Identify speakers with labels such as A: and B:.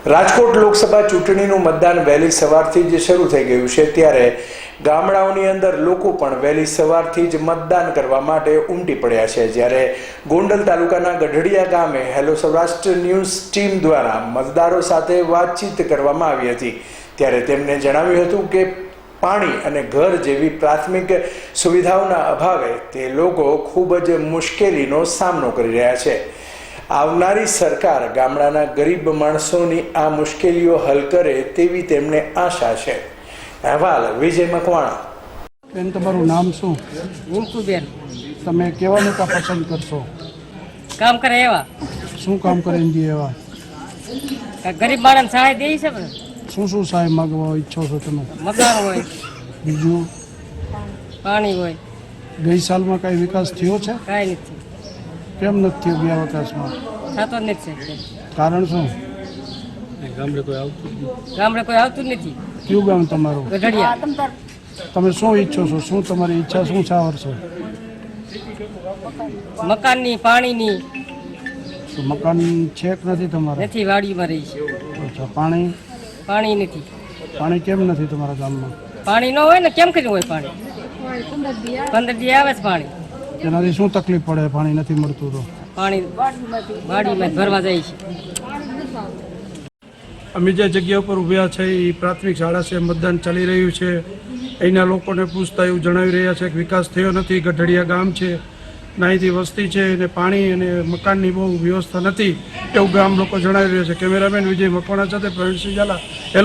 A: રાજકોટ લોકસભા ચૂંટણીનું મતદાન વહેલી સવારથી જ શરૂ થઈ ગયું છે, ત્યારે ગામડાઓની અંદર લોકો પણ વહેલી સવારથી જ મતદાન કરવા માટે ઉમટી પડ્યા છે। જ્યારે ગોંડલ તાલુકાના ગઢડિયા ગામે હેલો સૌરાષ્ટ્ર ન્યૂઝ ટીમ દ્વારા મતદારો સાથે વાતચીત કરવામાં આવી હતી, ત્યારે તેમણે જણાવ્યું હતું કે પાણી અને ઘર જેવી પ્રાથમિક સુવિધાઓના અભાવે તે લોકો ખૂબ જ મુશ્કેલીનો સામનો કરી રહ્યા છે। આવનારી સરકાર ગામડાના ગરીબ માણસોની આ મુશ્કેલીઓ હલ કરે તેવી તેમને આશા છે। અહેવાલ વિજય મકવાણા।
B: બેન, તમારું નામ શું?
C: રિંકુબેન।
B: તમે કેવા નેતા પસંદ કરશો?
C: કામ કરે એવા।
B: શું કામ કરીને દે એવા?
C: ગરીબ માણસ સહાય દે છે ને।
B: શું શું સહાય માગવા ઈચ્છો છો તમે?
C: મકાન હોય,
B: બીજું
C: પાણી હોય।
B: ગઈ સાલમાં કઈ વિકાસ થયો છે?
C: કાંઈ નથી
B: કેમ નથી થયો ગયા વિકાસમાં?
C: થતો જ નથી।
B: કારણ શું?
C: ગામડે કોઈ આવતું જ નથી।
B: કયું ગામ તમારું?
C: ગઢડિયા।
B: તમે શું ઈચ્છો છો? શું તમારી ઈચ્છા શું છે આ વર્ષે?
C: મકાનની, પાણીની
B: તો મકાન છે કે નથી તમારે?
C: નથી, વાડીમાં રહી છે।
B: અચ્છા, પાણી?
C: પાણી નથી।
B: પાણી કેમ નથી તમારા ગામમાં?
C: પાણી ન હોય ને કેમ કર્યું હોય પાણી? 15 દી આવે છે પાણી।
B: તેનાથી શું તકલીફ પડે પાણી નથી મળતું તો?
C: પાણી વાડીમાં ભરવા જાય છે।
B: અમે જે જગ્યા ઉપર ઊભ્યા છે એ પ્રાથમિક શાળા છે, મતદાન ચાલી રહ્યું છે। અહીંના લોકોને પૂછતા એવું જણાવી રહ્યા છે કે વિકાસ થયો નથી। ગઢડિયા ગામ છે, નાહીથી વસ્તી છે અને પાણી અને મકાનની બહુ વ્યવસ્થા નથી એવું ગામ લોકો જણાવી રહ્યા છે। કેમેરામેન વિજય મકવાણા સાથે પ્રવીણસિંહ ઝાલા।